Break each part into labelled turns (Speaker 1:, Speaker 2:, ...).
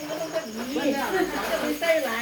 Speaker 1: ไม่ใส่ไหล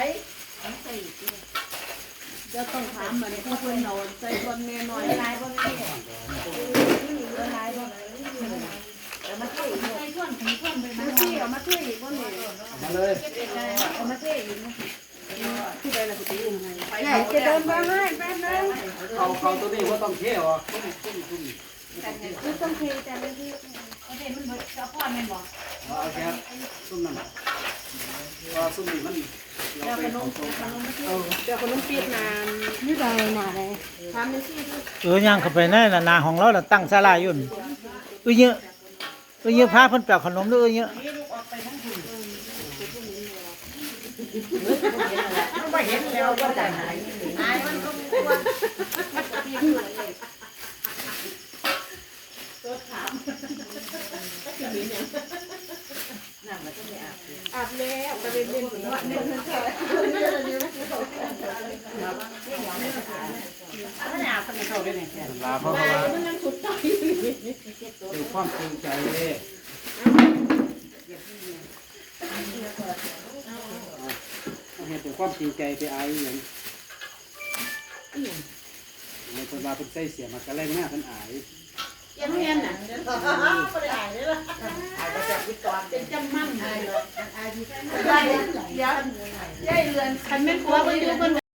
Speaker 1: จะต้องถามมันผู้คนนอนใส่คนเมียน้อยลายบ่นี่ลายบ่แต่มาเทใส่ท่อนถึงท่อนไปมาเทเอามาเทอีกบ่นี่
Speaker 2: มาเลย
Speaker 1: เอามาเทอีกนะที่ใดล่ะสิยังไงจะเดินมาให้แป๊บนึง
Speaker 2: เขาตัวนี้ว่าต้องเที่ยว
Speaker 1: คือต้องเทแต่ละที่เอาเทมันเบิดเอาพ่อแม่นบ่
Speaker 2: เอาแค่ซุ่มนั่นว่าซุ่มนี่มัน
Speaker 1: เจ้าขนมเจ้าขนมปี๊บนานนี่ใดน่ะเลยทำเป็นที่
Speaker 3: ย่างเข้าไปในนาของเราน่ะตั้งศาลาอยู่เยอะเยอะพาเพิ่นแปลขนมเด้อเยอะ
Speaker 1: ไม่เห็นแล้วก็ใจหายหายมันก็กลัวตัวถามอาบแล้วกระเด็นเล่นหัวเนี่ย
Speaker 2: ลาเพราะว่าดูความจริงใจเลยเห็นถึงความจริงใจไปอายอย่างในคนลาเป็นใจเสียมากระแรงหน้าเป็นอาย
Speaker 1: ยังเรียนน่ะไม่ได้อ่านเลยล่ะอ่านมาจากวิกรเป็นจำมั่นอายเลยอายที่ได้เดี๋ยวยายเรือนคันแม่ครัวไปดูคน